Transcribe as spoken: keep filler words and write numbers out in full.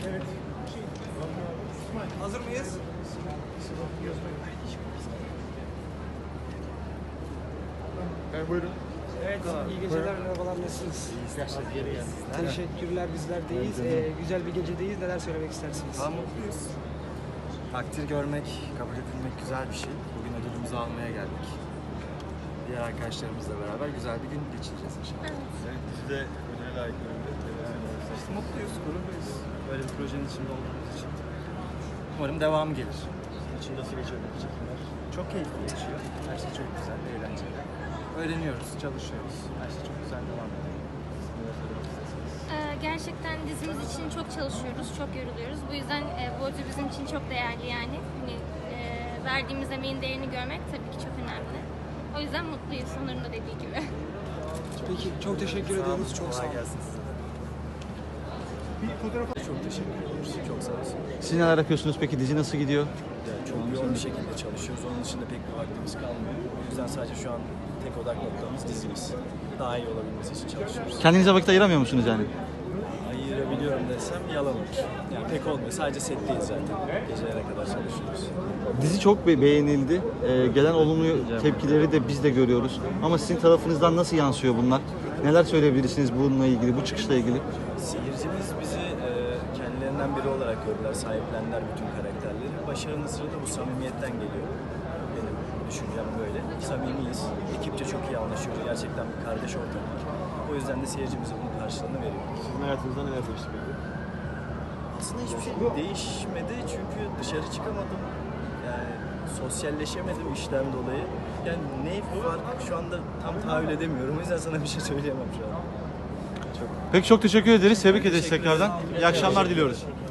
Evet. Hazır mıyız? Evet, buyurun. Evet, iyi geceler, merhabalar, nasılsınız? Teşekkürler, bizler de iyiyiz. Ee, güzel bir gecedeyiz, neler söylemek istersiniz? Daha mutluyuz. Takdir görmek, kabul edilmek güzel bir şey. Bugün ödülümüzü almaya geldik. Diğer arkadaşlarımızla beraber güzel bir gün geçireceğiz inşallah. Evet, dizide ödüle layık görüldü. İşte mutluyuz, gururluyuz. Böyle bir projenin içinde olduğumuz için. Umarım devamı gelir. İçin nasıl geçiyor bu çekimler? Çok keyifli geçiyor. Her şey çok güzel, eğlenceli. Öğreniyoruz, çalışıyoruz. Her şey çok güzel devam ediyor. Ee, gerçekten dizimiz için çok çalışıyoruz, çok yoruluyoruz. Bu yüzden e, bu ödül bizim için çok değerli yani. Hani, e, verdiğimiz emeğin değerini görmek tabii ki çok önemli. O yüzden mutluyuz, Onur'un da dediği gibi. Peki, çok teşekkür ediyoruz, çok sağ Kolay olun. gelsin size. Bir fotoğraf Çok teşekkür ediyoruz. Çok sağ olsun. Siz neler yapıyorsunuz peki? Dizi nasıl gidiyor? Yani çok yoğun bir şekilde çalışıyoruz. Onun dışında pek bir vaktimiz kalmıyor. O yüzden sadece şu an tek odak noktamız dizimiz. Daha iyi olabilmesi için çalışıyoruz. Kendinize vakit ayıramıyor musunuz yani? Ayırabiliyorum desem yalan olur. Yani pek olmuyor. Sadece setteyiz zaten. Gecelere kadar çalışıyoruz. Dizi çok be- beğenildi. Ee, gelen olumlu tepkileri de biz de görüyoruz. Ama sizin tarafınızdan nasıl yansıyor bunlar? Neler söyleyebilirsiniz bununla ilgili, bu çıkışla ilgili? Seyircimiz bizi e, kendilerinden biri olarak gördüler, sahiplendiler bütün karakterleri. Başarının sırrı da bu samimiyetten geliyor. Benim düşüncem böyle. Samimiyiz. Ekipçe çok iyi anlaşıyoruz. Gerçekten bir kardeş ortamı var. O yüzden de seyircimize bunun karşılığını veriyor. sizin hayatınızda neler değişti peki? Aslında hiçbir şey değişmedi çünkü dışarı çıkamadım. Yani sosyalleşemedim işten dolayı. Yani ne var şu anda tam tahayyül edemiyorum. O yüzden sana bir şey söyleyemem şu an. Peki çok teşekkür ederiz. Tebrik Ben ederiz teşekkür tekrardan. ederim. İyi akşamlar diliyoruz.